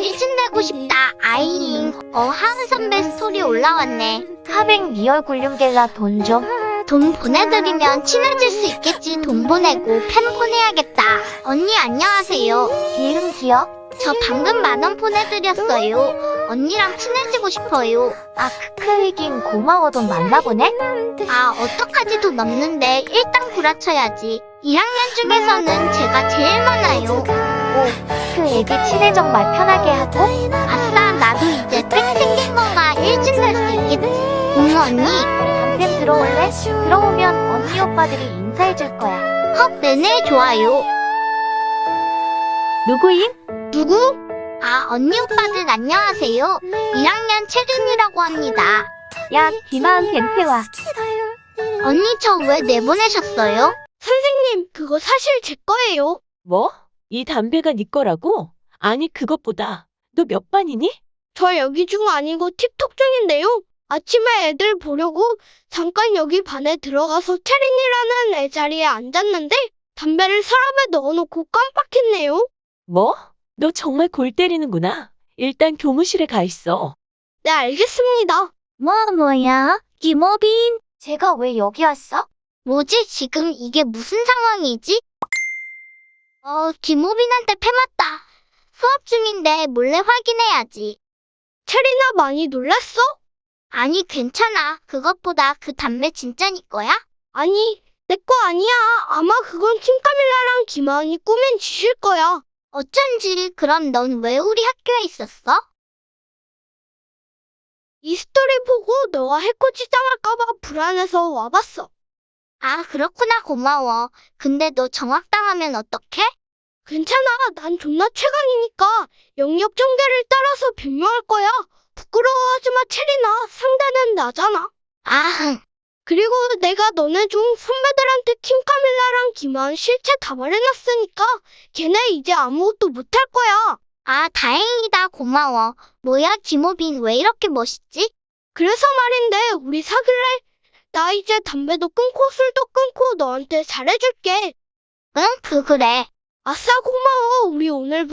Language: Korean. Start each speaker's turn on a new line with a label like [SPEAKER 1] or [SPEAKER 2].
[SPEAKER 1] 일진 되고 싶다. 아이잉. 하은 선배 스토리 올라왔네.
[SPEAKER 2] 카맹 리얼 굴륨겔라 돈 좀.
[SPEAKER 1] 돈 보내드리면 친해질 수 있겠지. 돈 보내고 팬 보내야겠다. 언니 안녕하세요.
[SPEAKER 2] 기흥 기억?
[SPEAKER 1] 저 방금 10,000원 보내드렸어요. 언니랑 친해지고 싶어요.
[SPEAKER 2] 아 크크이긴 고마워. 돈 만나보네?
[SPEAKER 1] 아 어떡하지. 돈 없는데 일단 구라쳐야지. 1학년 중에서는 제가 제일 많아요.
[SPEAKER 2] 그 애기 친해정 말 편하게 하고?
[SPEAKER 1] 아싸 나도 이제 백 생긴 거가 일진 될 수 있겠지. 응 언니.
[SPEAKER 2] 담배 들어올래? 들어오면 언니 오빠들이 인사해줄 거야.
[SPEAKER 1] 헉 네네 좋아요.
[SPEAKER 2] 누구임?
[SPEAKER 1] 누구? 아 언니 오빠들 안녕하세요. 1학년 채준이라고 합니다.
[SPEAKER 2] 야 김하은 벤태와.
[SPEAKER 1] 언니 저 왜 내보내셨어요? 선생님 그거 사실 제 거예요.
[SPEAKER 3] 뭐? 이 담배가 네 거라고? 아니 그것보다 너 몇 반이니?
[SPEAKER 1] 저 여기 중 아니고 틱톡 중인데요. 아침에 애들 보려고 잠깐 여기 반에 들어가서 채린이라는 애 자리에 앉았는데 담배를 서랍에 넣어놓고 깜빡했네요.
[SPEAKER 3] 뭐? 너 정말 골 때리는구나. 일단 교무실에 가 있어.
[SPEAKER 1] 네 알겠습니다.
[SPEAKER 2] 뭐야? 김호빈. 제가 왜 여기 왔어?
[SPEAKER 1] 뭐지 지금 이게 무슨 상황이지? 김호빈한테 패맞다. 수업 중인데 몰래 확인해야지. 채린아 많이 놀랐어? 아니 괜찮아. 그것보다 그 담배 진짜 네 거야? 아니 내 거 아니야. 아마 그건 킴카밀라랑 김하은이 꾸민 짓일 거야. 어쩐지. 그럼 넌 왜 우리 학교에 있었어? 이 스토리 보고 너와 해코지 당할까봐 불안해서 와봤어. 아 그렇구나. 고마워. 근데 너 정확당하면 어떡해? 괜찮아. 난 존나 최강이니까 영역 전개를 따라서 변명할 거야. 부끄러워하지 마 채린아. 상대는 나잖아. 아 그리고 내가 너네 중 선배들한테 킴카밀라랑 김하은 실체 다 말해놨으니까 걔네 이제 아무것도 못할 거야. 아 다행이다. 고마워. 뭐야 김호빈 왜 이렇게 멋있지? 그래서 말인데 우리 사귈래? 나 이제 담배도 끊고 술도 끊고 너한테 잘해줄게. 응? 그래. 아싸 고마워. 우리 오늘